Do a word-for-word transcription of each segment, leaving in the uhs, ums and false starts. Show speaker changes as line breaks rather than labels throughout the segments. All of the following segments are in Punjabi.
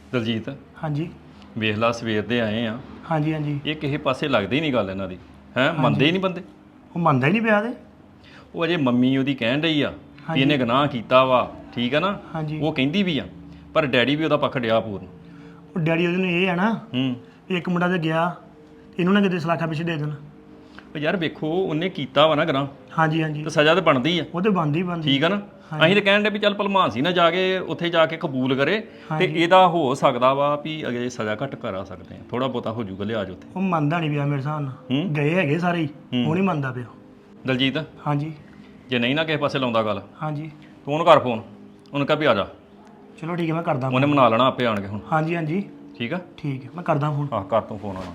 ਦਲਜੀਤ
ਹਾਂਜੀ
ਵੇਖ ਲਾ ਸਵੇਰ ਦੇ ਆਏ ਆ,
ਹਾਂਜੀ ਹਾਂਜੀ
ਇਹ ਕਿਸੇ ਪਾਸੇ ਲੱਗਦੀ ਹੀ ਨਹੀਂ ਗੱਲ ਇਹਨਾਂ ਦੀ ਹੈ। ਮੰਨਦੇ ਹੀ ਨਹੀਂ ਬੰਦੇ।
ਉਹ ਮੰਨਦਾ ਹੀ ਨਹੀਂ ਪਿਆ ਤੇ
ਉਹ ਅਜੇ ਮੰਮੀ ਉਹਦੀ ਕਹਿਣ ਰਹੀ ਆ ਵੀ ਇਹਨੇ ਗੁਨਾਹ ਕੀਤਾ ਵਾ, ਠੀਕ ਆ ਨਾ।
ਹਾਂਜੀ
ਉਹ ਕਹਿੰਦੀ ਵੀ ਆ, ਪਰ ਡੈਡੀ ਵੀ ਉਹਦਾ ਪੱਖ ਡਿਆ ਪੂਰਨ।
ਉਹ ਡੈਡੀ ਉਹਦੇ ਨੂੰ ਇਹ ਆ ਨਾ
ਹੂੰ
ਵੀ ਇੱਕ ਮੁੰਡਾ ਤੇ ਗਿਆ ਇਹਨੂੰ ਨਾ ਕਿਤੇ ਸਲਾਖਾ ਪਿੱਛੇ ਦੇ ਦੇਣ।
ਉਹ ਯਾਰ ਵੇਖੋ ਉਹਨੇ ਕੀਤਾ ਵਾ ਨਾ ਗੁਨਾਹ,
ਹਾਂਜੀ ਹਾਂਜੀ
ਤੇ ਸਜ਼ਾ ਤਾਂ ਬਣਦੀ ਆ,
ਉਹ ਤੇ ਬੰਦੀ ਬੰਦੀ
ਠੀਕ ਆ ਨਾ। ਅਸੀਂ ਤਾਂ ਕਹਿਣ ਦੇ ਵੀ ਚੱਲ ਭਲਮਾਨ ਸੀ ਨਾ ਜਾ ਕੇ ਉੱਥੇ ਜਾ ਕੇ ਕਬੂਲ ਕਰੇ, ਤੇ ਇਹਦਾ ਹੋ ਸਕਦਾ ਵਾ ਵੀ ਅਗੇ ਸਜ਼ਾ ਘੱਟ ਕਰਾ ਸਕਦੇ ਆ, ਥੋੜਾ ਬਹੁਤਾ ਹੋ ਜੂਗਾ ਲਿਆਜ ਉੱਥੇ।
ਉਹ ਮੰਨਦਾ ਨਹੀਂ ਪਿਆ ਮੇਰੇ ਹਿਸਾਬ ਨਾਲ, ਗਏ ਹੈਗੇ ਸਾਰੇ ਹੀ, ਉਹ ਨਹੀਂ ਮੰਨਦਾ ਪਿਆ।
ਦਲਜੀਤ
ਹਾਂਜੀ
ਜੇ ਨਹੀਂ ਨਾ ਕਿਸੇ ਪਾਸੇ ਲਾਉਂਦਾ ਗੱਲ,
ਹਾਂਜੀ
ਤੂੰ ਉਹਨੂੰ ਕਰ ਫੋਨ, ਉਹਨੂੰ ਕਹ ਵੀ ਆ ਜਾ।
ਚਲੋ ਠੀਕ ਹੈ ਮੈਂ ਕਰਦਾ।
ਉਹਨੇ ਮਨਾ ਲੈਣਾ ਆਪੇ ਆਣ ਕੇ ਹੁਣ।
ਹਾਂਜੀ ਹਾਂਜੀ
ਠੀਕ ਆ,
ਠੀਕ ਹੈ ਮੈਂ ਕਰਦਾ ਫੋਨ।
ਆਹ ਕਰ ਤੂੰ ਫੋਨ ਆਣਾ।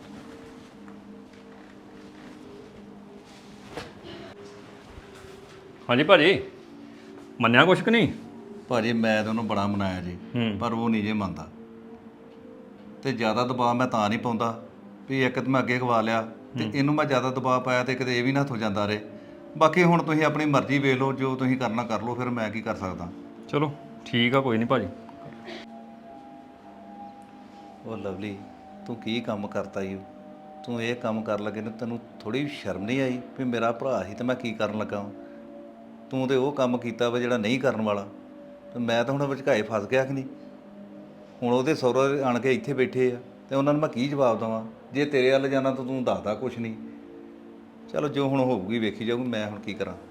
ਹਾਂਜੀ ਭਾਜੀ, ਮੰਨਿਆ ਕੁਛ ਕਿ ਨਹੀਂ?
ਭਾਜੀ ਮੈਂ ਤਾਂ ਉਹਨੂੰ ਬੜਾ ਮਨਾਇਆ ਜੀ, ਪਰ ਉਹ ਨਹੀਂ ਜੇ ਮੰਨਦਾ। ਤੇ ਜ਼ਿਆਦਾ ਦਬਾਅ ਮੈਂ ਤਾਂ ਨਹੀਂ ਪਾਉਂਦਾ ਵੀ ਇੱਕ ਤਾਂ ਮੈਂ ਅੱਗੇ ਗਵਾ ਲਿਆ, ਤੇ ਇਹਨੂੰ ਮੈਂ ਜ਼ਿਆਦਾ ਦਬਾਅ ਪਾਇਆ ਤੇ ਕਿਤੇ ਇਹ ਵੀ ਨਾ ਹੱਥੋਂ ਜਾਂਦਾ ਰਹੇ। ਬਾਕੀ ਹੁਣ ਤੁਸੀਂ ਆਪਣੀ ਮਰਜ਼ੀ ਵੇਖ ਲਓ, ਜੋ ਤੁਸੀਂ ਕਰਨਾ ਕਰ ਲਓ, ਫਿਰ ਮੈਂ ਕੀ ਕਰ ਸਕਦਾ।
ਚਲੋ ਠੀਕ ਆ, ਕੋਈ ਨਹੀਂ ਭਾਜੀ।
ਉਹ ਲਵਲੀ, ਤੂੰ ਕੀ ਕੰਮ ਕਰਤਾ ਈ? ਤੂੰ ਇਹ ਕੰਮ ਕਰਨ ਲੱਗੇ ਨੇ ਤੈਨੂੰ ਥੋੜੀ ਸ਼ਰਮ ਨਹੀਂ ਆਈ ਵੀ ਮੇਰਾ ਭਰਾ ਸੀ ਤੇ ਮੈਂ ਕੀ ਕਰਨ ਲੱਗਾ? ਤੂੰ ਤੇ ਉਹ ਕੰਮ ਕੀਤਾ ਵਾ ਜਿਹੜਾ ਨਹੀਂ ਕਰਨ ਵਾਲਾ, ਤੇ ਮੈਂ ਤਾਂ ਹੁਣ ਵਿਚਕਾਏ ਫਸ ਗਿਆ ਕਿ ਨਹੀਂ। ਹੁਣ ਉਹਦੇ ਸਹੁਰੇ ਆਣ ਕੇ ਇੱਥੇ ਬੈਠੇ ਆ, ਤੇ ਉਹਨਾਂ ਨੂੰ ਮੈਂ ਕੀ ਜਵਾਬ ਦੇਵਾਂ? ਜੇ ਤੇਰੇ ਵੱਲ ਜਾਣਾ ਤਾਂ ਤੂੰ ਦੱਸਦਾ ਕੁਛ ਨਹੀਂ। ਚਲੋ ਜੋ ਹੁਣ ਹੋਊਗੀ ਵੇਖੀ ਜਾਊਗੀ, ਮੈਂ ਹੁਣ ਕੀ ਕਰਾਂ।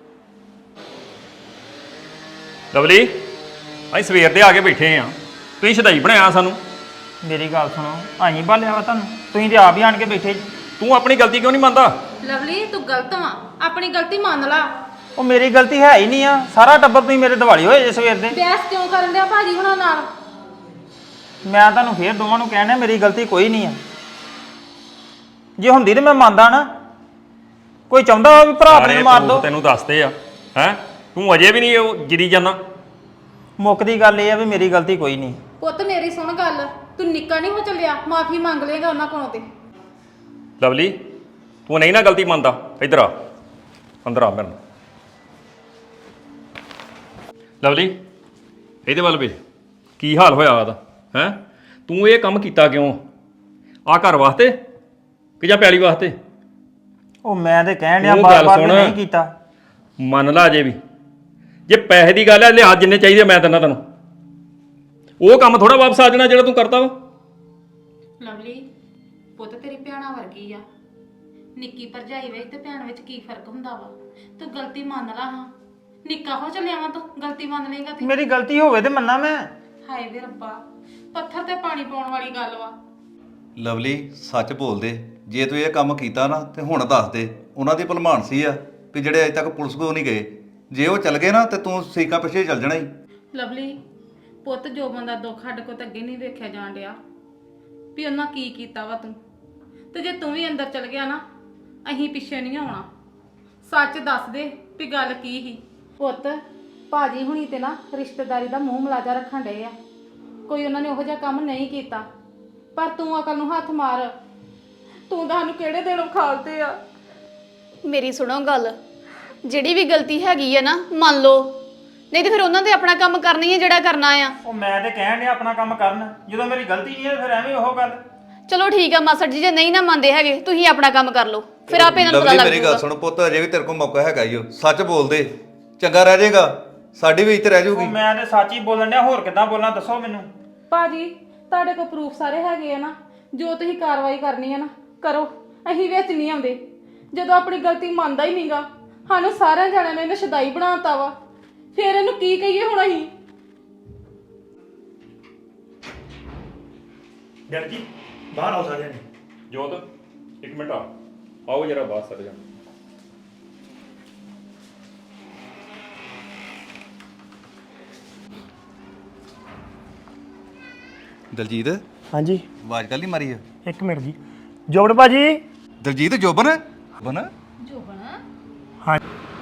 ਲਵਲੀ, ਅਸੀਂ ਸਵੇਰ ਦੇ ਆ ਕੇ ਬੈਠੇ ਆ, ਤੁਸੀਂ ਸ਼ਦਾਈ ਬਣਾਇਆ ਸਾਨੂੰ।
ਮੇਰੀ ਗੱਲ ਸੁਣੋ, ਆਈ ਭਾਲਿਆ ਵਾ ਤੁਹਾਨੂੰ, ਤੁਸੀਂ ਤੇ ਆਪ ਹੀ ਆਣ ਕੇ ਬੈਠੇ।
ਤੂੰ ਆਪਣੀ ਗਲਤੀ ਕਿਉਂ ਨਹੀਂ ਮੰਨਦਾ?
ਲਵਲੀ ਤੂੰ ਗਲਤ ਵਾ, ਆਪਣੀ ਗਲਤੀ ਮੰਨ ਲਾ।
ਉਹ ਮੇਰੀ ਗਲਤੀ ਹੈ ਹੀ ਨਹੀਂ ਆ, ਸਾਰਾ ਟੱਬਰ ਤੁਸੀਂ ਮੇਰੇ ਦਿਵਾਲੀ ਹੋਏ ਜੇ ਸਵੇਰ ਦੇ।
ਬਹਿਸ ਕਿਉਂ ਕਰਨ ਡਿਆ ਭਾਜੀ ਹੁਣਾਂ ਨਾਲ?
ਮੈਂ ਤੁਹਾਨੂੰ ਫੇਰ ਦੋਵਾਂ ਨੂੰ ਕਹਿਣਾ ਮੇਰੀ ਗਲਤੀ ਕੋਈ ਨਹੀਂ ਆ। ਜੇ ਹੁੰਦੀ ਤੇ ਮੈਂ ਮੰਨਦਾ ਨਾ। ਕੋਈ ਚਾਹੁੰਦਾ ਵੀ ਭਰਾ ਆਪਣੇ ਨੂੰ ਮਾਰ ਦੋ।
ਤੈਨੂੰ ਦੱਸਦੇ ਆ ਹੈ, ਤੂੰ ਅਜੇ ਵੀ ਨਹੀਂ ਉਹ ਜਿਰੀ ਜਾਣਾ।
ਮੁੱਕਦੀ ਗੱਲ ਇਹ ਆ ਵੀ ਮੇਰੀ ਗਲਤੀ ਕੋਈ ਨਹੀਂ।
ਪੁੱਤ ਮੇਰੀ ਸੁਣ ਗੱਲ, ਤੂੰ ਨਿੱਕਾ ਨਹੀਂ ਹੋ ਚੱਲਿਆ, ਮਾਫੀ ਮੰਗ ਲੇਗਾ ਉਹਨਾਂ ਕੋਲੋਂ ਤੇ।
ਲਵਲੀ ਤੂੰ ਨਹੀਂ ਨਾ ਗਲਤੀ ਮੰਨਦਾ, ਇੱਧਰ ਆ, ਅੰਦਰ ਆ ਮੇਰੇ ਨਾਲ। ਲਵਲੀ ਇਹਦੇ ਵੱਲ ਵੇ, ਕੀ ਹਾਲ ਹੋਇਆ ਉਹਦਾ ਹੈ? ਤੂੰ ਇਹ ਕੰਮ ਕੀਤਾ ਕਿਉਂ? ਆ ਘਰ ਵਾਸਤੇ ਕਿ ਜਾਂ ਪੈਲੀ ਵਾਸਤੇ?
ਉਹ ਮੈਂ ਤੇ ਕਹਿਣ ਡਿਆ ਬਾਰ-ਬਾਰ ਨਹੀਂ ਕੀਤਾ।
ਮੰਨ ਲਾ ਅਜੇ ਵੀ, ਜੇ ਪੈਸੇ ਦੀ ਗੱਲ ਹੈ ਲਿਆ ਜਿੰਨੇ ਚਾਹੀਦੇ ਮੈਂ ਦਿੰਦਾ ਤੈਨੂੰ। ਉਹ ਕੰਮ ਥੋੜਾ ਵਾਪਸ ਆ ਜਾਣਾ ਜਿਹੜਾ ਤੂੰ ਕਰਤਾ ਵਾ।
ਲਵਲੀ ਪੁੱਤ ਤੇਰੀ ਭੈਣਾਂ ਵਰਗੀ ਆ, ਨਿੱਕੀ ਭਰਜਾਈ ਵਿੱਚ ਤੇ ਭੈਣ ਵਿੱਚ ਕੀ ਫਰਕ ਹੁੰਦਾ ਵਾ? ਤੂੰ ਗਲਤੀ ਮੰਨ ਲਾ। ਹਾਂ ਨਿੱਕਾ ਹੋ ਚੱਲਿਆ ਵਾ, ਤੂੰ ਗਲਤੀ ਮੰਨ ਲੇਗਾ ਤੇ।
ਮੇਰੀ ਗਲਤੀ ਹੋਵੇ ਤੇ ਮੰਨਾਂ ਮੈਂ।
ਹਾਏ ਵੇ ਰੱਬਾ, ਪੱਥਰ ਤੇ ਪਾਣੀ ਪਾਉਣ ਵਾਲੀ ਗੱਲ ਵਾ।
ਲਵਲੀ ਸੱਚ ਬੋਲਦੇ, ਜੇ ਤੂੰ ਇਹ ਕੰਮ ਕੀਤਾ ਨਾ ਤੇ ਹੁਣ ਦੱਸ ਦੇ। ਉਹਨਾਂ ਦੀ ਭਲਮਾਨ ਸੀ ਆ ਵੀ ਜਿਹੜੇ ਅਜੇ ਤੱਕ ਪੁਲਿਸ ਕੋਲ ਨਹੀਂ ਗਏ, ਜੇ ਉਹ ਚੱਲ ਗਏ ਨਾ ਤੇ ਤੂੰ ਸੀਕਾ ਪਿੱਛੇ ਚੱਲ ਜਾਣਾ ਹੀ।
ਲਵਲੀ ਪੁੱਤ ਜੋ ਬੰਦਾ ਦੁੱਖ ਸਾਡੇ ਕੋਲ ਤਾਂ ਅੱਗੇ ਨਹੀਂ ਵੇਖਿਆ ਜਾਣ ਡਿਆ ਵੀ ਉਹਨਾਂ ਕੀ ਕੀਤਾ ਵਾ ਤੂੰ, ਤੇ ਜੇ ਤੂੰ ਵੀ ਅੰਦਰ ਚਲ ਗਿਆ ਨਾ ਅਸੀਂ ਪਿੱਛੇ ਨਹੀਂ ਆਉਣਾ। ਸੱਚ ਦੱਸ ਦੇ ਵੀ ਗੱਲ ਕੀ ਸੀ। ਪੁੱਤ ਭਾਜੀ ਹੁਣੀ ਤੇ ਨਾ ਰਿਸ਼ਤੇਦਾਰੀ ਦਾ ਮੂੰਹ ਮਲਾਜਾ ਰੱਖਣ ਡਏ ਆ, ਕੋਈ ਉਹਨਾਂ ਨੇ ਉਹੋ ਜਿਹਾ ਕੰਮ ਨਹੀਂ ਕੀਤਾ, ਪਰ ਤੂੰ ਅਕਲ ਨੂੰ ਹੱਥ ਮਾਰ। ਤੂੰ ਤਾਂ ਸਾਨੂੰ ਕਿਹੜੇ ਦਿਨ ਉਖਾਲਤੇ ਆ।
ਮੇਰੀ ਸੁਣੋ ਗੱਲ, ਜਿਹੜੀ ਵੀ ਗਲਤੀ ਹੈਗੀ ਆ ਨਾ ਮੰਨ ਲਓ, ਨਹੀਂ ਤੇ ਫਿਰ ਉਹਨਾਂ ਦੇ ਆਪਣਾ ਕੰਮ ਕਰਨੀ ਹੈ ਜਿਹੜਾ ਕਰਨਾ ਆ।
ਉਹ ਮੈਂ ਤੇ ਕਹਿਣ ਡਿਆ ਆਪਣਾ ਕੰਮ ਕਰਨ, ਜਦੋਂ ਮੇਰੀ ਗਲਤੀ ਨਹੀਂ ਹੈ ਫਿਰ ਐਵੇਂ ਉਹ ਗੱਲ।
ਚਲੋ ਠੀਕ ਆ ਮਾਸੜ ਜੀ, ਜੇ ਨਹੀਂ ਨਾ ਮੰਨਦੇ ਹੈਗੇ ਤੁਸੀਂ ਆਪਣਾ ਕੰਮ ਕਰ ਲਓ, ਫਿਰ ਆਪੇ ਇਹਨਾਂ ਨੂੰ ਪਤਾ ਲੱਗ
ਮੇਰੀ ਗੱਲ ਸੁਣ ਪੁੱਤ, ਅਜੇ ਵੀ ਤੇਰੇ ਕੋਲ ਮੌਕਾ ਹੈਗਾ ਈ ਓ, ਸੱਚ ਬੋਲਦੇ ਚੰਗਾ ਰਹਿ ਜਾਏਗਾ, ਸਾਡੀ ਵੀ ਇੱਜ਼ਤ ਰਹਿ ਜਾਊਗੀ।
ਮੈਂ ਤੇ ਸੱਚ ਹੀ ਬੋਲਣ ਡਿਆ, ਹੋਰ ਕਿੱਦਾਂ ਬੋਲਾਂ ਦੱਸੋ ਮੈਨੂੰ।
ਭਾਜੀ ਤੁਹਾਡੇ ਕੋਲ ਪ੍ਰੂਫ ਸਾਰੇ ਹੈਗੇ ਆ ਨਾ, ਜੋ ਤੁਸੀਂ ਕਾਰਵਾਈ ਕਰਨੀ ਹੈ ਨਾ ਕਰੋ, ਅਸੀਂ ਵਿੱਚ ਨਹੀਂ ਆਉਂਦੇ। ਜਦੋਂ ਆਪਣੀ ਗਲਤੀ ਮੰਨਦਾ ਹੀ ਨਹੀਂਗਾ, ਸਾਨੂੰ ਸਾਰਿਆਂ ਜਣਿਆਂ ਨੇ ਇਹਨੇ ਸ਼ਦਾਈ ਬਣਾਤਾ ਵਾ, ਫਿਰ ਇਹਨੂੰ ਕੀ ਕਹੀਏ ਹੁਣ ਅਸੀਂ?
ਡੈਡ ਜੀ ਬਾਹਰ ਆਓ ਸਾਰਿਆਂ ਨੇ।
ਜੋਤ ਇੱਕ ਮਿੰਟ ਆ, ਆਓ ਜਰਾ ਬਾਹਰ ਸਰ ਜਾ।
ਦਲਜੀਤ
ਹਾਂਜੀ
ਆਵਾਜ਼ ਕੱਲ ਹੀ ਮਾਰੀ ਆ?
ਇੱਕ ਮਿੰਟ ਜੀ। ਜੋਬਨ ਭਾਜੀ।
ਦਲਜੀਤ ਜੋਬਨ ਬਨ
ਜੋਬਨ
ਹਾਂ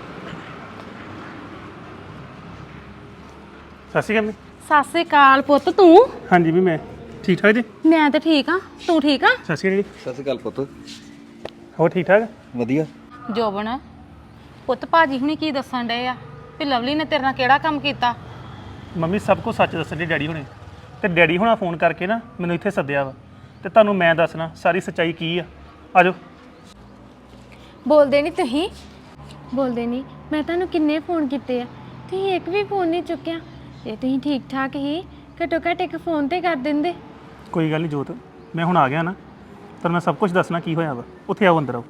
ਸਤਿ ਸ਼੍ਰੀ ਅਕਾਲ।
ਸਤਿ ਸ੍ਰੀ ਅਕਾਲ ਪੁੱਤ। ਤੂੰ?
ਹਾਂਜੀ ਵੀ ਮੈਂ ਠੀਕ ਠਾਕ ਜੀ।
ਮੈਂ ਤਾਂ ਠੀਕ ਆ, ਤੂੰ ਠੀਕ ਆ?
ਸਤਿ ਸ਼੍ਰੀ ਅਕਾਲ ਜੀ।
ਸਤਿ ਸ਼੍ਰੀ ਅਕਾਲ ਪੁੱਤ।
ਹੋਰ ਠੀਕ ਠਾਕ?
ਵਧੀਆ।
ਜੋਬਨ ਪੁੱਤ ਭਾਜੀ ਹੁਣੀ ਕੀ ਦੱਸਣ ਡਏ ਆ ਵੀ ਲਵਲੀ ਨੇ ਤੇਰੇ ਨਾਲ ਕਿਹੜਾ ਕੰਮ ਕੀਤਾ?
ਮੰਮੀ ਸਭ ਕੁਝ ਸੱਚ ਦੱਸਣ ਦੇ ਡੈਡੀ ਹੁਣੇ। ਤੇ ਡੈਡੀ ਹੁਣਾਂ ਫੋਨ ਕਰਕੇ ਨਾ ਮੈਨੂੰ ਇੱਥੇ ਸੱਦਿਆ ਵਾ ਤੇ ਤੁਹਾਨੂੰ ਮੈਂ ਦੱਸਣਾ ਸਾਰੀ ਸੱਚਾਈ ਕੀ ਆ। ਆਜੋ।
ਬੋਲਦੇ ਨਹੀਂ ਤੁਸੀਂ ਬੋਲਦੇ ਨਹੀਂ। ਮੈਂ ਤੁਹਾਨੂੰ ਕਿੰਨੇ ਫੋਨ ਕੀਤੇ ਆ, ਤੁਸੀਂ ਇੱਕ ਵੀ ਫੋਨ ਨਹੀਂ ਚੁੱਕਿਆ। ਜੇ ਤੁਸੀਂ ਠੀਕ ਠਾਕ ਹੀ ਘੱਟੋ ਘੱਟ ਇੱਕ ਫੋਨ ਤੇ ਕਰ ਦਿੰਦੇ।
ਕੋਈ ਗੱਲ ਨਹੀਂ ਜੋਤ, ਮੈਂ ਹੁਣ ਆ ਗਿਆ ਨਾ ਤਾਂ ਮੈਂ ਸਭ ਕੁਝ ਦੱਸਣਾ ਕੀ ਹੋਇਆ ਵਾ। ਉੱਥੇ ਆਓ, ਅੰਦਰ ਆਓ।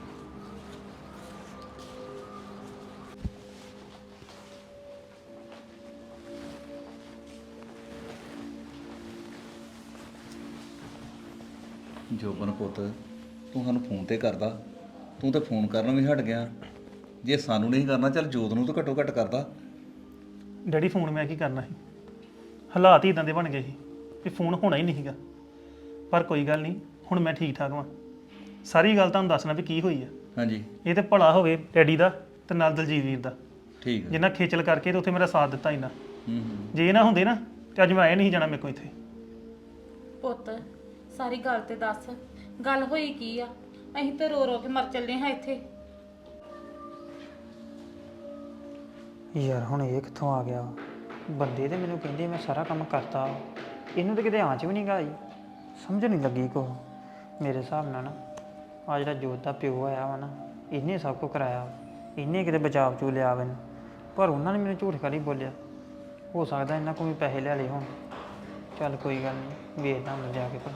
ਜੋਬਨ ਪੁੱਤ, ਤੂੰ ਸਾਨੂੰ ਫੋਨ ਤੇ ਕਰਦਾ, ਤੂੰ ਤੇ ਫੋਨ ਕਰਨ ਵੀ ਹਟ ਗਿਆ। ਜੇ ਸਾਨੂੰ ਨਹੀਂ ਕਰਨਾ ਚੱਲ ਜੋਤ ਨੂੰ ਤਾਂ ਘੱਟੋ ਘੱਟ ਕਰਦਾ।
ਡੈਡੀ ਫੋਨ ਮੈਂ ਕੀ ਕਰਨਾ ਸੀ, ਹਾਲਾਤ ਹੀ ਇਦਾਂ ਦੇ ਬਣ ਗਏ ਸੀ ਕਿ ਫੋਨ ਹੋਣਾ ਹੀ ਨਹੀਂ ਸੀਗਾ। ਪਰ ਕੋਈ ਗੱਲ ਨਹੀਂ, ਹੁਣ ਮੈਂ ਠੀਕ ਠਾਕ ਹਾਂ। ਸਾਰੀ ਗੱਲ ਤੁਹਾਨੂੰ ਦੱਸਣਾ ਵੀ ਕੀ ਹੋਈ ਆ।
ਹਾਂਜੀ
ਇਹ ਤੇ ਭਲਾ ਹੋਵੇ ਡੈਡੀ ਦਾ ਤੇ ਨਾਲ ਦਲਜੀਤ ਵੀਰ ਦਾ,
ਠੀਕ ਹੈ।
ਜਿੰਨਾ ਖੇਚਲ ਕਰਕੇ ਤੇ ਉੱਥੇ ਮੇਰਾ ਸਾਥ ਦਿੱਤਾ ਇਹਨਾਂ।
ਹੂੰ ਹੂੰ
ਜੇ ਇਹ ਨਾ ਹੁੰਦੇ ਨਾ ਤੇ ਅੱਜ ਮੈਂ ਆਇਆ ਨਹੀਂ ਜਾਣਾ ਮੇਰੇ ਕੋਲ ਇੱਥੇ।
ਪੁੱਤ ਸਾਰੀ ਗੱਲ ਤੇ ਦੱਸ, ਗੱਲ ਹੋਈ ਕੀ ਆ? ਅਸੀਂ ਤੇ ਰੋ ਰੋ ਕੇ ਮਰ ਚੱਲੇ ਹਾਂ ਇੱਥੇ।
ਯਾਰ ਹੁਣ ਇਹ ਕਿੱਥੋਂ ਆ ਗਿਆ? ਬੰਦੇ ਤੇ ਮੈਨੂੰ ਕਹਿੰਦੇ ਮੈਂ ਸਾਰਾ ਕੰਮ ਕਰਤਾ, ਇਹਨੂੰ ਤਾਂ ਕਿਤੇ ਆਂਚ ਵੀ ਨਹੀਂ ਗਾਈ। ਸਮਝ ਨਹੀਂ ਲੱਗੀ ਕੋ। ਮੇਰੇ ਹਿਸਾਬ ਨਾਲ ਨਾ ਆ ਜਿਹੜਾ ਜੋਤ ਦਾ ਪਿਓ ਆਇਆ ਵਾ ਨਾ, ਇਹਨੇ ਸਭ ਕੁਝ ਕਰਾਇਆ। ਇਹਨੇ ਕਿਤੇ ਬਚਾਵ ਚੂ ਲਿਆ ਮੈਨੂੰ, ਪਰ ਉਹਨਾਂ ਨੇ ਮੈਨੂੰ ਝੂਠ ਖਾਲੀ ਬੋਲਿਆ। ਹੋ ਸਕਦਾ ਇਹਨਾਂ ਕੋਲ ਵੀ ਪੈਸੇ ਲੈ ਲਏ ਹੋਣ। ਚੱਲ ਕੋਈ ਗੱਲ ਨਹੀਂ, ਵੇਖਦਾ ਮੈਂ ਜਾ ਕੇ ਭਲਾ।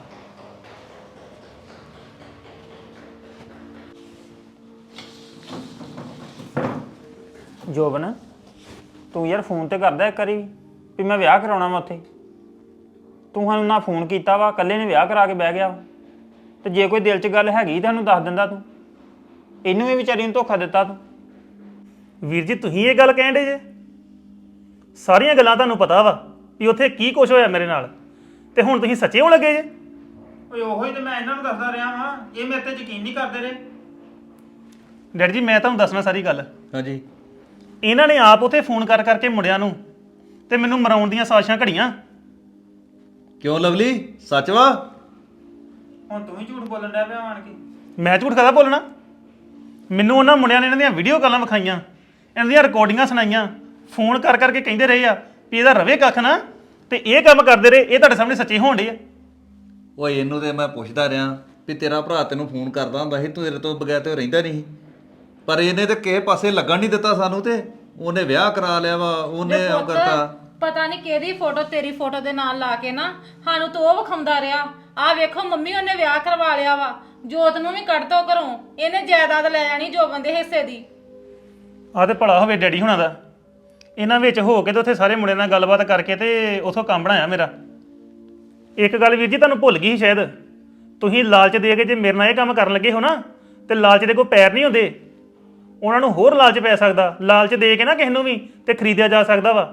ਜੋਬਨ, ਤੂੰ ਯਾਰ ਫੋਨ ਤੇ ਕਰਦਾ ਇੱਕ ਵਾਰੀ ਵੀ ਮੈਂ ਵਿਆਹ ਕਰਾਉਣਾ ਵਾ ਉੱਥੇ। ਤੂੰ ਸਾਨੂੰ ਨਾ ਫੋਨ ਕੀਤਾ ਵਾ, ਇਕੱਲੇ ਨੇ ਵਿਆਹ ਕਰਾ ਕੇ ਬਹਿ ਗਿਆ ਵਾ। ਤੇ ਜੇ ਕੋਈ ਦਿਲ 'ਚ ਗੱਲ ਹੈਗੀ ਤਾਂ ਸਾਨੂੰ ਦੱਸ ਦਿੰਦਾ ਤੂੰ। ਇਹਨੂੰ ਵੀ ਵਿਚਾਰੀ ਨੂੰ ਧੋਖਾ ਦਿੱਤਾ ਤੂੰ।
ਵੀਰ ਜੀ ਤੁਸੀਂ ਇਹ ਗੱਲ ਕਹਿੰਦੇ ਜੇ? ਸਾਰੀਆਂ ਗੱਲਾਂ ਤੁਹਾਨੂੰ ਪਤਾ ਵਾ ਵੀ ਉੱਥੇ ਕੀ ਕੁਝ ਹੋਇਆ ਮੇਰੇ ਨਾਲ, ਤੇ ਹੁਣ ਤੁਸੀਂ ਸੱਚੇ ਹੋਣ ਲੱਗੇ ਜੇ?
ਓਏ ਉਹੀ ਤੇ ਮੈਂ ਇਹਨਾਂ ਨੂੰ ਦੱਸਦਾ ਰਿਹਾ ਵਾਂ, ਇਹ ਮੇਰੇ ਤੇ ਯਕੀਨ ਨਹੀਂ ਕਰਦੇ ਰਹੇ।
ਡੈਡੀ ਜੀ ਮੈਂ ਤੁਹਾਨੂੰ ਦੱਸਣਾ ਸਾਰੀ ਗੱਲ।
ਹਾਂਜੀ
ਇਹਨਾਂ ਨੇ ਆਪ ਉੱਥੇ ਫੋਨ ਕਰ ਕਰਕੇ ਮੁੰਡਿਆਂ ਨੂੰ ਤੇ ਮੈਨੂੰ ਮਰਾਉਣ ਦੀਆਂ ਸਾਜ਼ਿਸ਼ਾਂ ਘੜੀਆਂ।
ਕਿਉਂ ਲਵਲੀ, ਸੱਚ ਵਾ?
ਹੁਣ ਤੂੰ ਹੀ ਝੂਠ ਬੋਲਣ ਡਿਆ ਪਿਆ ਆਣ ਕੇ।
ਮੈਂ ਝੂਠ ਕਦਾ ਬੋਲਣਾ? ਮੈਨੂੰ ਉਹਨਾਂ ਮੁੰਡਿਆਂ ਨੇ ਇਹਨਾਂ ਦੀਆਂ ਵੀਡੀਓ ਕਾਲਾਂ ਵਿਖਾਈਆਂ, ਇਹਨਾਂ ਦੀਆਂ ਰਿਕਾਰਡਿੰਗਾਂ ਸੁਣਾਈਆਂ, ਫੋਨ ਕਰ ਕਰਕੇ ਕਹਿੰਦੇ ਰਹੇ ਆ ਵੀ ਇਹਦਾ ਰਵੇ ਕੱਖ ਨਾ, ਤੇ ਇਹ ਕੰਮ ਕਰਦੇ ਰਹੇ। ਇਹ ਤੁਹਾਡੇ ਸਾਹਮਣੇ ਸੱਚੇ ਹੋਣ ਡੇ ਆ।
ਓਏ ਇਹਨੂੰ ਤੇ ਮੈਂ ਪੁੱਛਦਾ ਰਿਹਾ ਵੀ ਤੇਰਾ ਭਰਾ ਤੈਨੂੰ ਫੋਨ ਕਰਦਾ ਹੁੰਦਾ ਸੀ, ਤੂੰ ਤੇਰੇ ਤੋਂ ਬਗੈਰ ਤੇ ਉਹ ਰਹਿੰਦਾ ਨਹੀਂ ਸੀ। ਪਰ ਇਹਨੇ ਤੇ ਕਿਸੇ ਪਾਸੇ ਲੱਗਣ ਨਹੀਂ ਦਿੱਤਾ ਸਾਨੂੰ, ਤੇ ਉਹਨੇ ਵਿਆਹ ਕਰਾ ਲਿਆ ਵਾ, ਉਹਨੇ ਉਹ ਕਰਤਾ।
ਪਤਾ ਨਹੀਂ ਕਿਹਦੀ ਫੋਟੋ ਤੇਰੀ ਫੋਟੋ ਦੇ ਨਾਲ ਲਾ ਕੇ ਨਾ ਸਾਨੂੰ ਤੋਂ ਉਹ ਵਿਖਾਉਂਦਾ ਰਿਹਾ। ਆਹ ਵੇਖੋ ਮੰਮੀ ਉਹਨੇ ਵਿਆਹ ਕਰਵਾ ਲਿਆ ਵਾ, ਜੋਤ ਨੂੰ ਵੀ ਕੱਢ ਦੋ ਘਰੋਂ, ਇਹਨੇ ਜਾਇਦਾਦ ਲੈ ਜਾਣੀ ਜੋਬਨ ਦੇ ਹਿੱਸੇ ਦੀ।
ਆਹ ਤੇ ਭਲਾ ਹੋਵੇ ਡੈਡੀ ਹੁਣਾਂ ਦਾ, ਇਹਨਾਂ ਵਿੱਚ ਹੋ ਕੇ ਤੇ ਉੱਥੇ ਸਾਰੇ ਮੁੰਡਿਆਂ ਨਾਲ ਗੱਲਬਾਤ ਕਰਕੇ ਤੇ ਉਥੋਂ ਕੰਮ ਬਣਾਇਆ ਮੇਰਾ। ਇੱਕ ਗੱਲ ਵੀਰ ਜੀ ਤੁਹਾਨੂੰ ਭੁੱਲ ਗਈ ਸੀ ਸ਼ਾਇਦ, ਤੁਸੀਂ ਲਾਲਚ ਦੇ ਕੇ ਜੇ ਮੇਰੇ ਨਾਲ ਇਹ ਕੰਮ ਕਰਨ ਲੱਗੇ ਹੋ ਨਾ, ਤੇ ਲਾਲਚ ਦੇ ਕੋਈ ਪੈਰ ਨਹੀਂ ਹੁੰਦੇ। ਉਹਨਾਂ ਨੂੰ ਹੋਰ ਲਾਲਚ ਪੈ ਸਕਦਾ। ਲਾਲਚ ਦੇ ਕੇ ਨਾ ਕਿਸੇ ਨੂੰ ਵੀ ਤੇ ਖਰੀਦਿਆ ਜਾ ਸਕਦਾ ਵਾ।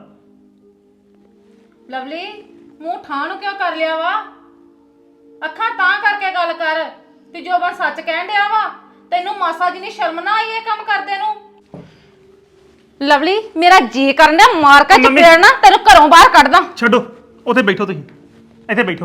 ਲਵਲੀ ਮੂੰਹ ਠਾਂ ਨੂੰ ਕਿਉਂ ਕਰ ਲਿਆ ਵਾ? ਅੱਖਾਂ ਤਾਂ ਕਰਕੇ ਗੱਲ ਕਰ ਤੇ ਜੋਬਨ ਸੱਚ ਕਹਿਣ ਡਿਆ ਵਾ। ਤੈਨੂੰ ਮਾਸਾ ਜੀ ਨਹੀਂ ਸ਼ਰਮ ਨਾ ਆਈ ਇਹ ਕੰਮ ਕਰਦੇ ਨੂੰ? ਲਵਲੀ ਮੇਰਾ ਜੀ ਕਰਨ ਡਿਆ ਮਾਰ ਕੇ ਚਪੇੜ ਨਾ ਤੈਨੂੰ ਘਰੋਂ ਬਾਹਰ ਕੱਢਦਾ।
ਛੱਡੋ, ਉੱਥੇ ਬੈਠੋ, ਤੁਸੀਂ ਇੱਥੇ ਬੈਠੋ।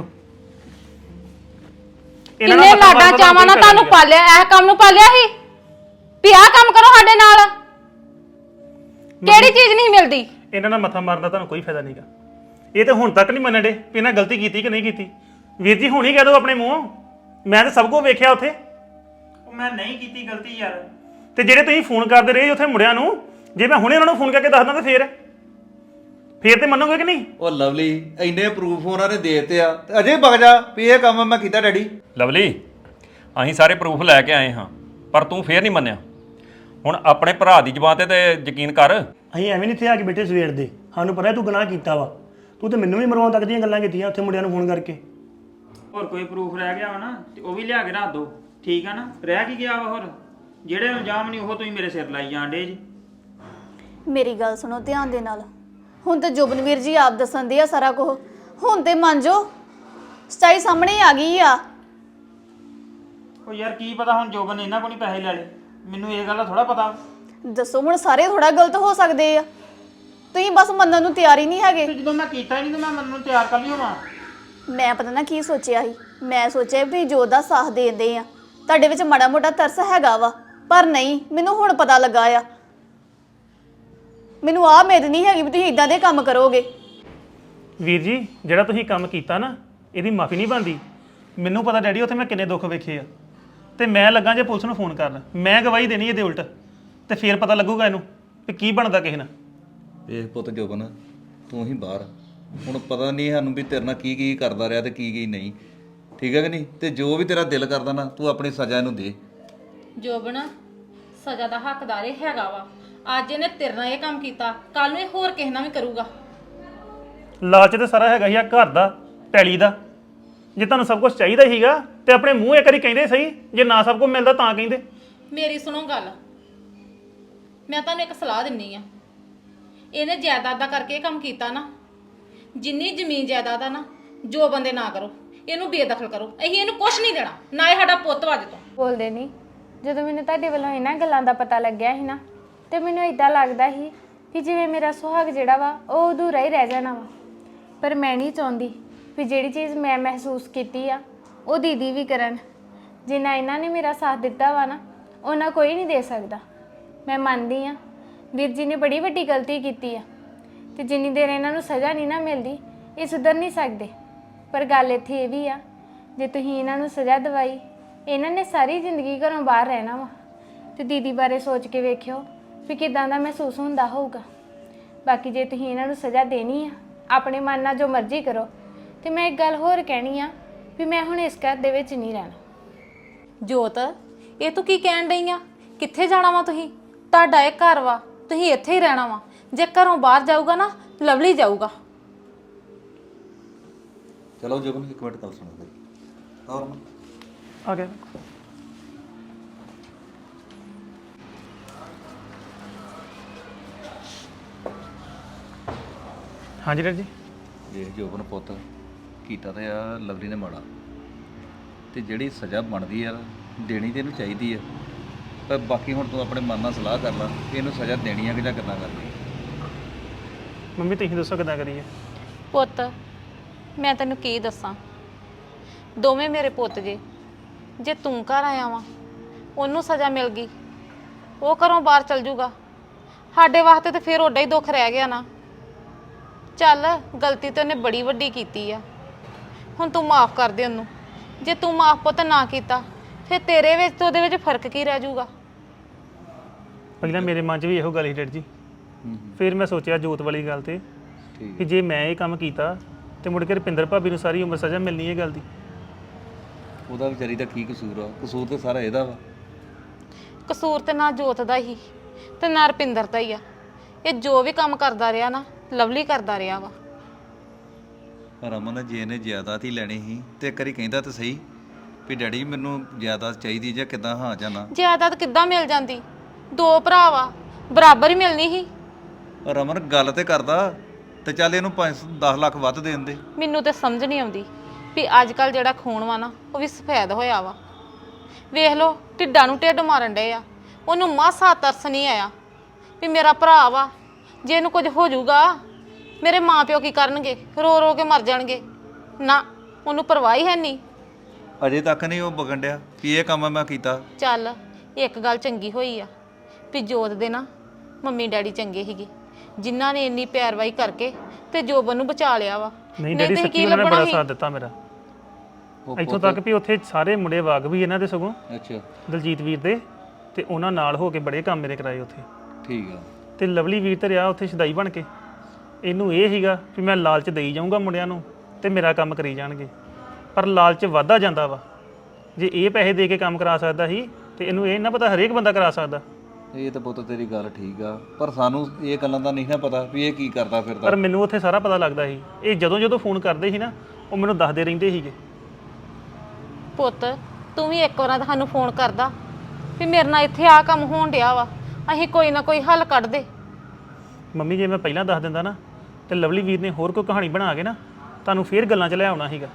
ਕਿੰਨੇ ਲਾਡਾਂ ਚਾਵਾਂ ਨਾਲ ਤੁਹਾਨੂੰ ਪਾਲਿਆ, ਇਹ ਕੰਮ ਨੂੰ ਪਾਲਿਆ ਸੀ ਵੀ ਆਹ ਕੰਮ ਕਰੋ ਸਾਡੇ ਨਾਲ। ਕਿਹੜੀ ਚੀਜ਼ ਨਹੀਂ ਮਿਲਦੀ?
ਇਹਨਾਂ ਨਾਲ ਮੱਥਾ ਮਾਰਨ ਦਾ ਤੁਹਾਨੂੰ ਕੋਈ ਫਾਇਦਾ ਨਹੀਂਗਾ। ਇਹ ਤਾਂ ਹੁਣ ਤੱਕ ਨਹੀਂ ਮੰਨਣ ਡੇ ਵੀ ਇਹਨਾਂ ਗਲਤੀ ਕੀਤੀ ਕਿ ਨਹੀਂ ਕੀਤੀ। ਵੀਰ ਜੀ ਹੁਣ ਹੀ ਕਹਿ ਦਿਓ ਆਪਣੇ ਮੂੰਹੋਂ, ਮੈਂ ਤਾਂ ਸਭ ਕੁਝ ਵੇਖਿਆ ਉੱਥੇ।
ਉਹ ਮੈਂ ਨਹੀਂ ਕੀਤੀ ਗਲਤੀ ਯਾਰ।
ਤੇ ਜਿਹੜੇ ਤੁਸੀਂ ਫੋਨ ਕਰਦੇ ਰਹੇ ਉੱਥੇ ਮੁੰਡਿਆਂ ਨੂੰ, ਜੇ ਮੈਂ ਹੁਣੇ ਉਹਨਾਂ ਨੂੰ ਫੋਨ ਕਰਕੇ ਦੱਸਦਾ ਤਾਂ ਫੇਰ ਫੇਰ ਤੇ ਮੰਨੋਗੇ ਕਿ ਨਹੀਂ?
ਉਹ ਲਵਲੀ ਇੰਨੇ ਪ੍ਰੂਫ ਉਹਨਾਂ ਨੇ ਦੇ ਦਿੱਤੇ ਆ, ਤੇ ਅਜੇ ਵਗ ਜਾ ਵੀ ਇਹ ਕੰਮ ਮੈਂ ਕੀਤਾ ਡੈਡੀ।
ਲਵਲੀ ਅਸੀਂ ਸਾਰੇ ਪ੍ਰੂਫ ਲੈ ਕੇ ਆਏ ਹਾਂ, ਪਰ ਤੂੰ ਫੇਰ ਨਹੀਂ ਮੰਨਿਆ। ਹੁਣ ਆਪਣੇ ਭਰਾ ਦੀ ਜ਼ਬਾਨ ਤੇ ਤੇ ਯਕੀਨ ਕਰ।
ਅਸੀਂ ਐਵੇਂ ਨਹੀਂ ਇੱਥੇ ਆ ਕੇ ਬੈਠੇ ਸਵੇਰ ਦੇ, ਸਾਨੂੰ ਪਤਾ ਤੂੰ ਗੁਨਾਹ ਕੀਤਾ ਵਾ। ਤੂੰ ਤੇ ਮੈਨੂੰ ਵੀ ਮਰਵਾਉਣ ਤੱਕ ਦੀਆਂ ਗੱਲਾਂ ਕੀਤੀਆਂ ਉੱਥੇ ਮੁੰਡਿਆਂ ਨੂੰ ਫੋਨ ਕਰਕੇ।
ਹੋਰ ਕੋਈ ਪ੍ਰੂਫ ਰਹਿ ਗਿਆ ਵਾ ਨਾ ਤੇ ਉਹ ਵੀ ਲਿਆ ਕੇ ਰੱਖ ਦੋ, ਠੀਕ ਆ ਨਾ? ਰਹਿ ਕੀ ਗਿਆ ਵਾ ਹੋਰ? ਜਿਹੜੇ ਇਲਜ਼ਾਮ ਨਹੀਂ ਉਹ ਤੁਸੀਂ ਮੇਰੇ ਸਿਰ ਲਾਈ ਜਾਂਦੇ ਜੀ।
ਮੇਰੀ ਗੱਲ ਸੁਣੋ ਧਿਆਨ ਦੇ ਨਾਲ। ਹੁਣ ਤੇ ਜੋਬਨਵੀਰ ਜੀ ਆਪ ਦੱਸਣ ਦੇ ਆ ਸਾਰਾ ਕੁਝ। ਹੁਣ ਤੇ ਮੰਨ ਜੋ ਸੱਚਾਈ ਸਾਹਮਣੇ ਆ ਗਈ ਆ।
ਉਹ ਯਾਰ ਕੀ ਪਤਾ ਹੁਣ ਜੋਬਨ ਨੇ ਇਹਨਾਂ ਕੋਲ ਨਹੀਂ ਪੈਸੇ ਲੈ ਲਏ, ਮੈਨੂੰ ਇਹ ਗੱਲ ਦਾ ਥੋੜਾ ਪਤਾ।
ਦੱਸੋ ਹੁਣ ਸਾਰੇ ਥੋੜਾ ਗਲਤ ਹੋ ਸਕਦੇ ਆ, ਤੁਸੀਂ ਬਸ ਮੰਨਣ ਨੂੰ ਤਿਆਰ ਹੀ ਨਹੀਂ ਹੈਗੇ।
ਤੇ ਜਦੋਂ ਮੈਂ ਕੀਤਾ ਹੀ ਨਹੀਂ ਤੇ ਮੈਂ ਮੰਨਣ ਨੂੰ ਤਿਆਰ ਕਰ ਲਈ ਹੋਵਾਂ।
ਮੈਂ ਪਤਾ ਨਾ ਕੀ ਸੋਚਿਆ ਸੀ, ਮੈਂ ਸੋਚਿਆ ਵੀ ਜੋਤ ਦਾ ਸਾਥ ਦੇਂਦੇ ਆ, ਤੁਹਾਡੇ ਵਿੱਚ ਮਾੜਾ ਮੋਟਾ ਤਰਸ ਹੈਗਾ ਵਾ, ਪਰ ਨਹੀਂ, ਮੈਨੂੰ ਹੁਣ ਪਤਾ ਲੱਗਾ ਆ। ਮੈਨੂੰ ਆਹ ਉਮੀਦ ਨਹੀਂ ਹੈਗੀ ਵੀ ਤੁਸੀਂ ਇਦਾਂ ਦੇ ਕੰਮ ਕਰੋਗੇ।
ਵੀਰ ਜੀ ਜਿਹੜਾ ਤੁਸੀਂ ਕੰਮ ਕੀਤਾ ਨਾ ਇਹਦੀ ਮਾਫੀ ਨਹੀਂ ਬਣਦੀ। ਮੈਨੂੰ ਪਤਾ ਡੈਡੀ ਉੱਥੇ ਮੈਂ ਕਿੰਨੇ ਦੁੱਖ ਵੇਖੇ ਆ ਤੇ ਮੈਂ ਲੱਗਾ ਜੇ ਪੁਲਿਸ ਨੂੰ ਫੋਨ ਕਰਨ, ਮੈਂ ਗਵਾਹੀ ਦੇਣੀ ਇਹਦੇ ਉਲਟ ਤੇ ਫੇਰ ਪਤਾ ਲੱਗੂਗਾ ਇਹਨੂੰ ਵੀ ਕੀ ਬਣਦਾ ਕਿਸੇ ਨਾਲ।
ਵੇਖ ਪੁੱਤ ਜੋਬਨ, ਤੂੰ ਹੀ ਬਾਹਰ, ਹੁਣ ਪਤਾ ਨਹੀਂ ਸਾਨੂੰ ਵੀ ਤੇਰੇ ਨਾਲ ਕੀ ਕੀ ਕਰਦਾ ਰਿਹਾ ਤੇ ਕੀ ਕੀ ਨਹੀਂ, ਠੀਕ ਹੈ ਕਿ ਨਹੀਂ? ਤੇ ਜੋ ਵੀ ਤੇਰਾ ਦਿਲ ਕਰਦਾ ਨਾ ਤੂੰ ਆਪਣੀ ਸਜ਼ਾ ਇਹਨੂੰ ਦੇ।
ਜੋਬਨ ਸਜ਼ਾ ਦਾ ਹੱਕਦਾਰ ਇਹ ਹੈਗਾ ਵਾ। ਅੱਜ ਇਹਨੇ ਤੇਰੇ ਨਾਲ ਇਹ ਕੰਮ ਕੀਤਾ, ਕੱਲ ਨੂੰ ਇਹ ਹੋਰ ਕਿਸੇ ਨਾਲ ਵੀ ਕਰੂਗਾ।
ਲਾਲਚ ਤੇ ਸਾਰਾ ਹੈਗਾ ਹੀ ਆ ਘਰ ਦਾ, ਪੈਲੀ ਦਾ। ਜੇ ਤੁਹਾਨੂੰ ਸਭ ਕੁਝ ਚਾਹੀਦਾ ਹੀਗਾ ਤੇ ਆਪਣੇ ਮੂੰਹ ਇੱਕ ਵਾਰੀ ਕਹਿੰਦੇ ਸਹੀ, ਜੇ ਨਾ ਸਭ ਕੁਝ ਮਿਲਦਾ ਤਾਂ ਕਹਿੰਦੇ।
ਮੇਰੀ ਸੁਣੋ ਗੱਲ, ਮੈਂ ਤੁਹਾਨੂੰ ਇੱਕ ਸਲਾਹ ਦਿੰਨੀ ਆ। ਇਹਨੇ ਜਾਇਦਾਦ ਦਾ ਕਰਕੇ ਇਹ ਕੰਮ ਕੀਤਾ ਨਾ, ਜਿੰਨੀ ਜ਼ਮੀਨ ਜਾਇਦਾਦ ਆ ਨਾ ਜੋ ਬੰਦੇ ਨਾ ਕਰੋ, ਇਹਨੂੰ ਬੇਦਖਲ ਕਰੋ। ਅਸੀਂ ਇਹਨੂੰ ਕੁਝ ਨਹੀਂ ਦੇਣਾ, ਨਾ ਇਹ ਸਾਡਾ ਪੁੱਤ ਵੱਜ ਤੋਂ।
ਬੋਲਦੇ ਨਹੀਂ। ਜਦੋਂ ਮੈਨੂੰ ਤੁਹਾਡੇ ਵੱਲੋਂ ਇਹਨਾਂ ਗੱਲਾਂ ਦਾ ਪਤਾ ਲੱਗਿਆ ਸੀ ਨਾ ਤੇ ਮੈਨੂੰ ਇਦਾਂ ਲੱਗਦਾ ਸੀ ਕਿ ਜਿਵੇਂ ਮੇਰਾ ਸੁਹਾਗ ਜਿਹੜਾ ਵਾ ਉਹ ਅਧੂਰਾ ਹੀ ਰਹਿ ਜਾਣਾ ਵਾ। ਪਰ ਮੈਂ ਨਹੀਂ ਚਾਹੁੰਦੀ ਵੀ ਜਿਹੜੀ ਚੀਜ਼ ਮੈਂ ਮਹਿਸੂਸ ਕੀਤੀ ਆ ਉਹ ਦੀਦੀ ਵੀ ਕਰਨ। ਜਿੰਨਾ ਇਹਨਾਂ ਨੇ ਮੇਰਾ ਸਾਥ ਦਿੱਤਾ ਵਾ ਨਾ ਉਹਨਾਂ ਕੋਈ ਨਹੀਂ ਦੇ ਸਕਦਾ। ਮੈਂ ਮੰਨਦੀ ਆ ਵੀਰ ਜੀ ਨੇ ਬੜੀ ਵੱਡੀ ਗਲਤੀ ਕੀਤੀ ਆ ਤੇ ਜਿੰਨੀ ਦੇਰ ਇਹਨਾਂ ਨੂੰ ਸਜ਼ਾ ਨਹੀਂ ਨਾ ਮਿਲਦੀ ਇਹ ਸੁਧਰ ਨਹੀਂ ਸਕਦੇ। ਪਰ ਗੱਲ ਇੱਥੇ ਇਹ ਵੀ ਆ, ਜੇ ਤੁਸੀਂ ਇਹਨਾਂ ਨੂੰ ਸਜ਼ਾ ਦਿਵਾਈ ਇਹਨਾਂ ਨੇ ਸਾਰੀ ਜ਼ਿੰਦਗੀ ਘਰੋਂ ਬਾਹਰ ਰਹਿਣਾ ਵਾ ਤੇ ਦੀਦੀ ਬਾਰੇ ਸੋਚ ਕੇ ਵੇਖਿਓ ਵੀ ਕਿਦਾਂ ਦਾ ਮਹਿਸੂਸ ਹੁੰਦਾ ਹੋਊਗਾ। ਬਾਕੀ ਜੇ ਤੁਸੀਂ ਇਹਨਾਂ ਨੂੰ ਸਜ਼ਾ ਦੇਣੀ ਆ ਆਪਣੇ ਮਨ ਨਾਲ ਜੋ ਮਰਜ਼ੀ ਕਰੋ। ਤੇ ਮੈਂ ਇੱਕ ਗੱਲ ਹੋਰ ਕਹਿਣੀ ਆ ਵੀ ਮੈਂ ਹੁਣ ਇਸ ਘਰ ਦੇ ਵਿੱਚ ਨਹੀਂ ਰਹਿਣਾ।
ਜੋਤ, ਇਹ ਤੂੰ ਕੀ ਕਹਿਣ ਡਈ ਆ? ਕਿੱਥੇ ਜਾਣਾ ਵਾ ਤੁਸੀਂ? ਤੁਹਾਡਾ ਇਹ ਘਰ ਵਾ, ਤੁਸੀਂ ਇੱਥੇ ਹੀ ਰਹਿਣਾ ਵਾ। ਜੇ ਘਰੋਂ ਬਾਹਰ ਜਾਊਗਾ ਨਾ ਲਵਲੀ ਜਾਊਗਾ।
ਚਲੋ ਜੋਬਨ ਇੱਕ ਮਿੰਟ ਗੱਲ ਸੁਣੋ ਮੇਰੀ। ਹੋਰ
ਆ ਗਿਆ ਹਾਂਜੀ ਡੈਡੀ ਜੀ।
ਵੇਖ ਜੋਬਨ ਪੁੱਤ, ਕੀਤਾ ਤਾਂ ਆ ਲਵਲੀ ਨੇ ਮਾੜਾ, ਤੇ ਜਿਹੜੀ ਸਜ਼ਾ ਬਣਦੀ ਆ ਦੇਣੀ ਤੇ ਇਹਨੂੰ ਚਾਹੀਦੀ ਆ। ਪਰ ਬਾਕੀ ਹੁਣ ਤੂੰ ਆਪਣੇ ਮਨ ਨਾਲ ਸਲਾਹ ਕਰ ਲੈ ਕਿ ਇਹਨੂੰ ਸਜ਼ਾ ਦੇਣੀ ਆ ਕਿ ਜਾਂ ਕਿੱਦਾਂ ਕਰਨੀ।
ਮੰਮੀ ਤੁਸੀਂ ਦੱਸੋ ਕਿੱਦਾਂ ਕਰੀਏ?
ਪੁੱਤ ਮੈਂ ਤੈਨੂੰ ਕੀ ਦੱਸਾਂ, ਦੋਵੇਂ ਮੇਰੇ ਪੁੱਤ ਜੇ। ਜੇ ਤੂੰ ਘਰ ਆਇਆ ਵਾ ਉਹਨੂੰ ਸਜ਼ਾ ਮਿਲ ਗਈ, ਉਹ ਘਰੋਂ ਬਾਹਰ ਚਲ ਜੂਗਾ, ਸਾਡੇ ਵਾਸਤੇ ਤੇ ਫਿਰ ਓਡਾ ਹੀ ਦੁੱਖ ਰਹਿ ਗਿਆ ਨਾ। ਚੱਲ ਗਲਤੀ ਤੇ ਉਹਨੇ ਬੜੀ ਵੱਡੀ ਕੀਤੀ ਆ, ਹੁਣ ਤੂੰ ਮਾਫ ਕਰ ਦੇ ਉਹਨੂੰ। ਜੇ ਤੂੰ ਮਾਫ ਪੁੱਤ ਨਾ ਕੀਤਾ ਫਿਰ ਤੇਰੇ ਵਿੱਚ ਤੇ ਉਹਦੇ ਵਿੱਚ ਫਰਕ ਕੀ ਰਹਿ ਜੂਗਾ?
ਪਹਿਲਾਂ ਮੇਰੇ ਮਨ 'ਚ ਵੀ ਇਹੋ ਗੱਲ ਸੀ ਡੈਡੀ ਜੀ। ਫਿਰ ਮੈਂ ਸੋਚਿਆ ਜੋਤ ਵਾਲੀ ਗੱਲ ਤੇ ਕਿ ਜੇ ਮੈਂ ਇਹ ਕੰਮ ਕੀਤਾ ਤੇ ਮੁੜ ਕੇ ਰੁਪਿੰਦਰ ਭਾਬੀ ਨੂੰ ਸਾਰੀ ਉਮਰ ਸਜ਼ਾ ਮਿਲਣੀ ਇਹ ਗੱਲ ਦੀ।
ਉਹਦਾ ਵਿਚਾਰੀ ਦਾ ਕੀ ਕਸੂਰ ਆ? ਕਸੂਰ ਤੇ ਸਾਰਾ ਇਹਦਾ ਵਾ।
ਕਸੂਰ ਤੇ ਨਾ ਜੋਤ ਦਾ ਹੀ ਤੇ ਨਾ ਰੁਪਿੰਦਰ ਦਾ ਹੀ ਆ। ਇਹ ਜੋ ਵੀ ਕੰਮ ਕਰਦਾ ਰਿਹਾ ਨਾ ਲਵਲੀ ਕਰਦਾ ਰਿਹਾ ਵਾ।
ਰਮਨ ਜੇ ਇਹਨੇ ਜਾਇਦਾਦ ਹੀ ਲੈਣੀ ਸੀ ਤੇ ਇੱਕ ਵਾਰੀ ਕਹਿੰਦਾ ਤਾਂ ਸਹੀ ਵੀ ਡੈਡੀ ਮੈਨੂੰ ਜਾਇਦਾਦ ਚਾਹੀਦੀ ਜਾਂ ਕਿੱਦਾਂ, ਹਾਂ ਜਾਂ ਨਾ।
ਜਾਇਦਾਦ ਕਿੱਦਾਂ ਮਿਲ ਜਾਂਦੀ? ਦੋ ਭਰਾ ਵਾ, ਬਰਾਬਰ ਹੀ ਮਿਲਣੀ ਸੀ।
ਰਮਨ ਗੱਲ ਤੇ ਕਰਦਾ ਤੇ ਚੱਲ ਇਹਨੂੰ ਪੰਜ ਦਸ ਲੱਖ ਵੱਧ ਦੇ ਦਿੰਦੇ।
ਮੈਨੂੰ ਤੇ ਸਮਝ ਨਹੀਂ ਆਉਂਦੀ ਵੀ ਅੱਜ ਕੱਲ ਜਿਹੜਾ ਖੂਨ ਵਾ ਨਾ ਉਹ ਵੀ ਸਫੈਦ ਹੋਇਆ ਵਾ। ਵੇਖ ਲਓ ਢਿੱਡਾਂ ਨੂੰ ਢਿੱਡ ਮਾਰਨ ਡਏ ਆ। ਉਹਨੂੰ ਮਾਸਾ ਤਰਸ ਨਹੀਂ ਆਇਆ ਵੀ ਮੇਰਾ ਭਰਾ ਵਾ, ਜੇ ਇਹਨੂੰ ਕੁਝ ਹੋ ਜਾਊਗਾ ਮੇਰੇ ਮਾਂ ਪਿਓ ਕੀ ਕਰਨਗੇ? ਰੋ ਰੋ ਕੇ ਮਰ ਜਾਣਗੇ। ਨਾ, ਉਹਨੂੰ ਪਰਵਾਹ ਹੀ ਹੈ ਨਹੀਂ।
ਅਜੇ ਤੱਕ ਨਹੀਂ ਉਹ ਬਗਣ ਡਿਆ ਵੀ ਇਹ ਕੰਮ ਮੈਂ ਕੀਤਾ।
ਚੱਲ ਇੱਕ ਗੱਲ ਚੰਗੀ ਹੋਈ ਆ ਵੀ ਜੋਤ ਦੇ ਨਾ ਮੰਮੀ ਡੈਡੀ ਚੰਗੇ ਸੀਗੇ, ਜਿਨ੍ਹਾਂ ਨੇ ਇੰਨੀ ਪੈਰਵਾਈ ਕਰਕੇ ਤੇ ਜੋਬਨ ਨੂੰ ਬਚਾ ਲਿਆ ਵਾ।
ਨਹੀਂ ਡੈਡੀ
ਤੇ
ਸੱਚੀ
ਕੀ
ਉਹਨਾਂ ਨੇ
ਲੱਭਣਾ
ਬੜਾ
ਸੀ?
ਸਾਥ ਦਿੱਤਾ ਮੇਰਾ।
ਉਹ
ਇੱਥੋਂ ਤੱਕ ਵੀ ਉੱਥੇ ਸਾਰੇ ਮੁੰਡੇ ਵਾਗ ਵੀ ਇਹਨਾਂ ਦੇ ਸਗੋਂ
ਅੱਛਾ
ਦਲਜੀਤ ਵੀਰ ਦੇ, ਤੇ ਉਹਨਾਂ ਨਾਲ ਹੋ ਕੇ ਬੜੇ ਕੰਮ ਮੇਰੇ ਕਰਾਏ ਉੱਥੇ।
ਠੀਕ ਆ।
ਤੇ ਲਵਲੀ ਵੀਰ ਤੇ ਰਿਹਾ ਉੱਥੇ ਸ਼ਦਾਈ ਬਣ ਕੇ। ਇਹਨੂੰ ਇਹ ਸੀਗਾ ਵੀ ਮੈਂ ਲਾਲਚ ਦੇਈ ਜਾਊਂਗਾ ਮੁੰਡਿਆਂ ਨੂੰ ਤੇ ਮੇਰਾ ਕੰਮ ਕਰੀ ਜਾਣਗੇ। ਪਰ ਲਾਲਚ ਵੱਧਦਾ ਜਾਂਦਾ ਵਾ। ਜੇ ਇਹ ਪੈਸੇ ਦੇ ਕੇ ਕੰਮ ਕਰਾ ਸਕਦਾ ਸੀ ਤੇ ਇਹਨੂੰ ਇਹ ਨਾ ਪਤਾ ਹਰੇਕ ਬੰਦਾ ਕਰਾ ਸਕਦਾ।
ਇਹ ਤਾਂ ਪੁੱਤ ਤੇਰੀ ਗੱਲ ਠੀਕ ਆ, ਪਰ ਸਾਨੂੰ ਇਹ ਗੱਲਾਂ ਦਾ ਨਹੀਂ ਨਾ ਪਤਾ ਵੀ ਇਹ ਕੀ ਕਰਦਾ ਫਿਰਦਾ।
ਪਰ ਮੈਨੂੰ ਉੱਥੇ ਸਾਰਾ ਪਤਾ ਲੱਗਦਾ ਸੀ। ਇਹ ਜਦੋਂ ਜਦੋਂ ਫੋਨ ਕਰਦੇ ਸੀ ਨਾ ਉਹ ਮੈਨੂੰ ਦੱਸਦੇ ਰਹਿੰਦੇ ਸੀਗੇ।
ਪੁੱਤ ਤੂੰ ਵੀ ਇੱਕ ਵਾਰ ਸਾਨੂੰ ਫੋਨ ਕਰਦਾ ਵੀ ਮੇਰੇ ਨਾਲ ਇੱਥੇ ਆ ਕੰਮ ਹੋਣ ਡਿਆ ਵਾ, ਅਸੀਂ ਕੋਈ ਨਾ ਕੋਈ ਹੱਲ ਕੱਢ ਦੇ।
ਮੰਮੀ ਜੇ ਮੈਂ ਪਹਿਲਾਂ ਦੱਸ ਦਿੰਦਾ ਨਾ ਤੇ ਲਵਲੀ ਵੀਰ ਨੇ ਹੋਰ ਕੋਈ ਕਹਾਣੀ ਬਣਾ ਕੇ ਨਾ ਤੁਹਾਨੂੰ ਫੇਰ ਗੱਲਾਂ 'ਚ ਲੈ ਆਉਣਾ ਸੀਗਾ।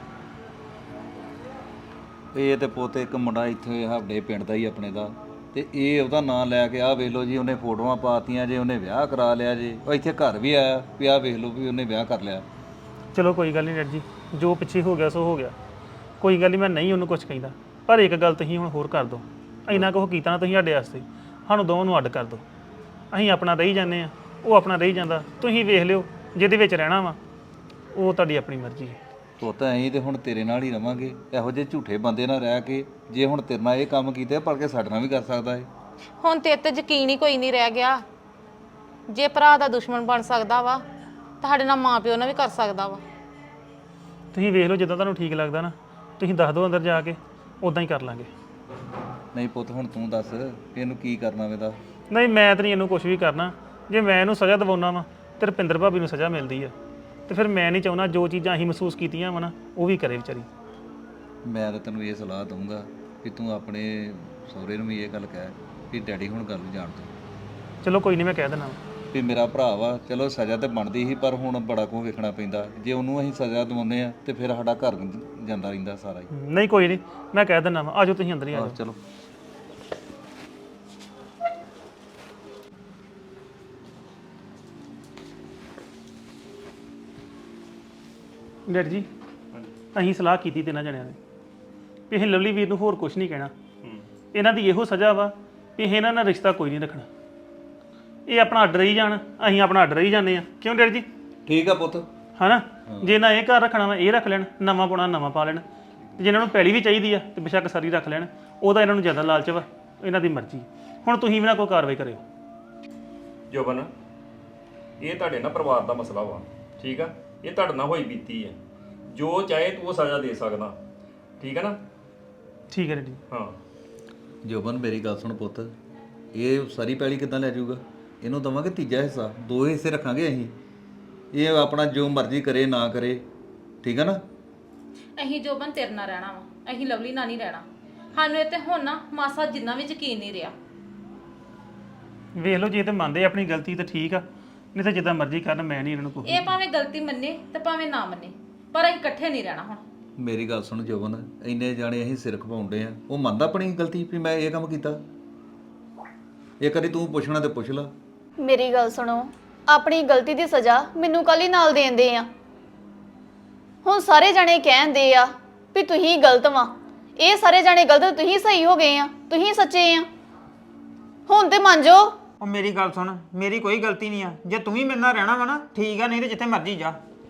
ਇਹ ਤੇ ਪੁੱਤ ਇੱਕ ਮੁੰਡਾ ਇੱਥੇ ਸਾਡੇ ਪਿੰਡ ਦਾ ਹੀ ਆਪਣੇ ਦਾ, ਤੇ ਇਹ ਉਹਦਾ ਨਾਂ ਲੈ ਕੇ ਆਹ ਵੇਖ ਲਓ ਜੀ ਉਹਨੇ ਫੋਟੋਆਂ ਪਾਤੀਆਂ ਜੇ, ਉਹਨੇ ਵਿਆਹ ਕਰਾ ਲਿਆ ਜੇ, ਉਹ ਇੱਥੇ ਘਰ ਵੀ ਆਇਆ ਵੀ ਆਹ ਵੇਖ ਲਓ ਵੀ ਉਹਨੇ ਵਿਆਹ ਕਰ ਲਿਆ।
ਚਲੋ ਕੋਈ ਗੱਲ ਨਹੀਂ ਡੈਡ ਜੀ, ਜੋ ਪਿੱਛੇ ਹੋ ਗਿਆ ਸੋ ਹੋ ਗਿਆ। ਕੋਈ ਗੱਲ ਨਹੀਂ, ਮੈਂ ਨਹੀਂ ਉਹਨੂੰ ਕੁਝ ਕਹਿੰਦਾ। ਪਰ ਇੱਕ ਗੱਲ ਤੁਸੀਂ ਹੁਣ ਹੋਰ ਕਰ ਦਿਓ, ਇੰਨਾ ਕੁਝ ਕੀਤਾ ਨਾ ਤੁਸੀਂ ਸਾਡੇ ਵਾਸਤੇ, ਸਾਨੂੰ ਦੋਵਾਂ ਨੂੰ ਅੱਡ ਕਰ ਦਿਓ। ਅਸੀਂ ਆਪਣਾ ਰਹੀ ਜਾਂਦੇ ਆ, ਉਹ ਆਪਣਾ ਰਹੀ ਜਾਂਦਾ। ਤੁਸੀਂ ਵੇਖ ਲਿਓ ਜਿਹਦੇ ਵਿੱਚ ਰਹਿਣਾ ਵਾ। ਉਹ ਤੁਹਾਡੀ ਆਪਣੀ ਮਰਜ਼ੀ ਹੈ।
ਪੁੱਤ ਅਸੀਂ ਤੇ ਹੁਣ ਤੇਰੇ ਨਾਲ ਹੀ ਰਵਾਂਗੇ। ਇਹੋ ਜਿਹੇ ਝੂਠੇ ਬੰਦੇ ਨਾਲ ਰਹਿ ਕੇ ਜੇ ਹੁਣ ਤੇਰੇ ਨਾਲ ਇਹ ਕੰਮ ਕੀਤੇ ਪਰ ਕੇ ਸਾਡੇ ਨਾਲ ਵੀ ਕਰ ਸਕਦਾ ਹੈ।
ਹੁਣ ਤੇਰੇ ਤੇ ਯਕੀਨ ਹੀ ਕੋਈ ਨਹੀਂ ਰਹਿ ਗਿਆ। ਜੇ ਭਰਾ ਦਾ ਦੁਸ਼ਮਣ ਬਣ ਸਕਦਾ ਵਾ ਤੁਹਾਡੇ ਨਾਲ ਮਾਂ ਪਿਓ ਨਾਲ ਵੀ ਕਰ ਸਕਦਾ ਵਾ।
ਤੁਸੀਂ ਵੇਖ ਲਓ ਜਿੱਦਾਂ ਤੁਹਾਨੂੰ ਠੀਕ ਲੱਗਦਾ ਨਾ, ਤੁਸੀਂ ਦੱਸ ਦਿਓ ਅੰਦਰ ਜਾ ਕੇ, ਉਦਾਂ ਹੀ ਕਰ ਲਾਂਗੇ।
ਨਹੀਂ ਪੁੱਤ ਹੁਣ ਤੂੰ ਦੱਸ ਵੀ ਇਹਨੂੰ ਕੀ ਕਰਨਾ ਵੇਦਾ।
ਨਹੀਂ ਮੈਂ ਤਾਂ ਨਹੀਂ ਇਹਨੂੰ ਕੁਝ ਵੀ ਕਰਨਾ। ਜੇ ਮੈਂ ਇਹਨੂੰ ਸਜ਼ਾ ਦਿਵਾਉਣਾ ਵਾ ਤੇ ਰੁਪਿੰਦਰ ਭਾਬੀ ਨੂੰ ਸਜ਼ਾ ਮਿਲਦੀ ਆ, ਤੇ ਫਿਰ ਮੈਂ ਨਹੀਂ ਚਾਹੁੰਦਾ ਜੋ ਚੀਜ਼ਾਂ ਅਸੀਂ ਮਹਿਸੂਸ ਕੀਤੀਆਂ ਵਾ ਨਾ ਉਹ ਵੀ ਕਰੇ ਵਿਚਾਰੀ।
ਮੈਂ ਤਾਂ ਤੈਨੂੰ ਇਹ ਸਲਾਹ ਦਊਂਗਾ ਕਿ ਤੂੰ ਆਪਣੇ ਸਹੁਰੇ ਨੂੰ ਵੀ ਇਹ ਗੱਲ ਕਹਿ ਵੀ ਡੈਡੀ ਹੁਣ ਗੱਲ ਨੂੰ ਜਾਣ ਦੋ।
ਚਲੋ ਕੋਈ ਨਹੀਂ, ਮੈਂ ਕਹਿ ਦੇਣਾ।
ਵੀ ਮੇਰਾ ਭਰਾ ਵਾ, ਚਲੋ ਸਜ਼ਾ ਤੇ ਬਣਦੀ ਸੀ ਪਰ ਹੁਣ ਬੜਾ ਕੁਝ ਵੇਖਣਾ ਪੈਂਦਾ। ਜੇ ਉਹਨੂੰ ਅਸੀਂ ਸਜ਼ਾ ਦਿਵਾਉਂਦੇ ਆ ਤੇ ਫਿਰ ਸਾਡਾ ਘਰ ਜਾਂਦਾ ਰਹਿੰਦਾ ਸਾਰਾ ਹੀ।
ਨਹੀਂ ਕੋਈ ਨਹੀਂ, ਮੈਂ ਕਹਿ ਦਿੰਦਾ ਵਾ। ਆਜੋ ਤੁਸੀਂ ਅੰਦਰ ਹੀ ਆ
ਆਹ,
ਜਾਓ।
ਚਲੋ
ਡੈਡੀ ਜੀ, ਅਸੀਂ ਸਲਾਹ ਕੀਤੀ ਤਿੰਨਾਂ ਜਣਿਆਂ ਨੇ ਵੀ ਇਹ ਲਵਲੀ ਵੀਰ ਨੂੰ ਹੋਰ ਕੁਝ ਨਹੀਂ ਕਹਿਣਾ। ਇਹਨਾਂ ਦੀ ਇਹੋ ਸਜ਼ਾ ਵਾ ਵੀ ਇਹ ਇਹਨਾਂ ਨਾਲ ਰਿਸ਼ਤਾ ਕੋਈ ਨਹੀਂ ਰੱਖਣਾ। ਇਹ ਆਪਣਾ ਅੱਡ ਰਹੀ ਜਾਣ, ਅਸੀਂ ਆਪਣਾ ਅੱਡ ਰਹੀ ਜਾਂਦੇ ਆ। ਕਿਉਂ ਡੈਡੀ ਜੀ?
ਠੀਕ ਆ ਪੁੱਤ।
ਹਨਾ, ਜੇ ਨਾ ਇਹ ਘਰ ਰੱਖਣਾ ਵਾ ਇਹ ਰੱਖ ਲੈਣ, ਨਵਾਂ ਪਾਉਣਾ ਨਵਾਂ ਪਾ ਲੈਣ, ਤੇ ਜਿਹਨਾਂ ਨੂੰ ਪੈਲੀ ਵੀ ਚਾਹੀਦੀ ਆ ਤੇ ਬੇਸ਼ੱਕ ਸਾਰੀ ਰੱਖ ਲੈਣ। ਉਹਦਾ ਇਹਨਾਂ ਨੂੰ ਜ਼ਿਆਦਾ ਲਾਲਚ ਵਾ, ਇਹਨਾਂ ਦੀ ਮਰਜ਼ੀ। ਹੁਣ ਤੁਸੀਂ ਵੀ ਨਾ ਕੋਈ ਕਾਰਵਾਈ ਕਰਿਓ।
ਜੋਬਨ, ਇਹ ਤੁਹਾਡੇ ਨਾਲ ਪਰਿਵਾਰ ਦਾ ਮਸਲਾ ਵਾ, ਠੀਕ ਆ? ਇਹ ਤੁਹਾਡੇ ਨਾਲ ਹੋਈ ਬੀਤੀ ਹੈ। ਜੋ ਚਾਹੇ ਤੂੰ ਉਹ ਸਜ਼ਾ ਦੇ ਸਕਦਾ, ਠੀਕ ਹੈ ਨਾ?
ਠੀਕ ਹੈ ਡੈਡੀ।
ਹਾਂ
ਜੋਬਨ ਮੇਰੀ ਗੱਲ ਸੁਣ ਪੁੱਤ, ਇਹ ਸਾਰੀ ਪੈਲੀ ਕਿੱਦਾਂ ਲੈ ਜਾਊਗਾ? ਇਹਨੂੰ ਦਵਾਂਗੇ ਤੀਜਾ ਹਿੱਸਾ, ਦੋ ਹਿੱਸੇ ਰੱਖਾਂਗੇ ਅਸੀਂ। ਇਹ ਆਪਣਾ ਜੋ ਮਰਜ਼ੀ ਕਰੇ ਨਾ ਕਰੇ, ਠੀਕ ਹੈ ਨਾ?
ਅਸੀਂ ਜੋਬਨ ਤੇਰੇ ਨਾਲ ਰਹਿਣਾ ਵਾ, ਅਸੀਂ ਲਵਲੀ ਨਾਲ ਨਹੀਂ ਰਹਿਣਾ। ਸਾਨੂੰ ਇਹ ਤੇ ਹੁਣ ਨਾ ਮਾਸਾ ਜਿੰਨਾ ਵੀ ਯਕੀਨ ਨਹੀਂ ਰਿਹਾ।
ਵੇਖ ਲਓ, ਜੇ ਤੇ ਮੰਨਦੇ ਆਪਣੀ ਗਲਤੀ ਤਾਂ ਠੀਕ ਆ, ਨਹੀਂ ਤਾਂ ਜਿੱਦਾਂ ਮਰਜ਼ੀ ਕਰਨ, ਮੈਂ ਨਹੀਂ ਇਹਨਾਂ ਨੂੰ ਕੋਈ।
ਇਹ ਭਾਵੇਂ ਗਲਤੀ ਮੰਨੇ ਤੇ ਭਾਵੇਂ ਨਾ ਮੰਨੇ, ਪਰ ਅਸੀਂ ਇਕੱਠੇ ਨਹੀਂ ਰਹਿਣਾ ਹੁਣ।
ਮੇਰੀ ਗੱਲ ਸੁਣ ਜੋਬਨ, ਇੰਨੇ ਜਾਣੇ ਅਸੀਂ ਸਿਰ ਖਪਾਉਂਦੇ ਆ, ਉਹ ਮੰਨਦਾ ਆਪਣੀ ਗਲਤੀ ਵੀ ਮੈਂ ਇਹ ਕੰਮ ਕੀਤਾ? ਇਹ ਕਦੀ ਤੂੰ ਪੁੱਛਣਾ ਤੇ ਪੁੱਛ ਲਾ।
ਮੇਰੀ ਗੱਲ ਸੁਣੋ, ਆਪਣੀ ਗਲਤੀ ਦੀ ਸਜ਼ਾ ਮੈਨੂੰ ਕੱਲ ਹੀ ਨਾਲ ਦੇਂਦੇ ਆ। ਹੁਣ ਸਾਰੇ ਜਣੇ ਕਹਿੰਦੇ ਆ ਵੀ ਤੁਸੀਂ ਗਲਤ ਵਾਂ, ਇਹ ਸਾਰੇ ਜਣੇ ਗਲਤ, ਤੁਸੀਂ ਸਹੀ ਹੋ ਗਏ ਆ, ਤੁਸੀਂ ਸੱਚੇ ਆ। ਹੁਣ ਤੇ ਮੰਨ ਜਾਓ।
ਉਹ ਮੇਰੀ ਗੱਲ ਸੁਣ, ਮੇਰੀ ਕੋਈ ਗਲਤੀ ਨਹੀਂ ਆ। ਜੇ ਤੂੰ ਵੀ ਮੇਰੇ ਨਾਲ ਰਹਿਣਾ ਵਾ ਨਾ ਠੀਕ ਆ, ਨਹੀਂ ਤੇ ਜਿੱਥੇ ਮਰਜ਼ੀ ਜਾ।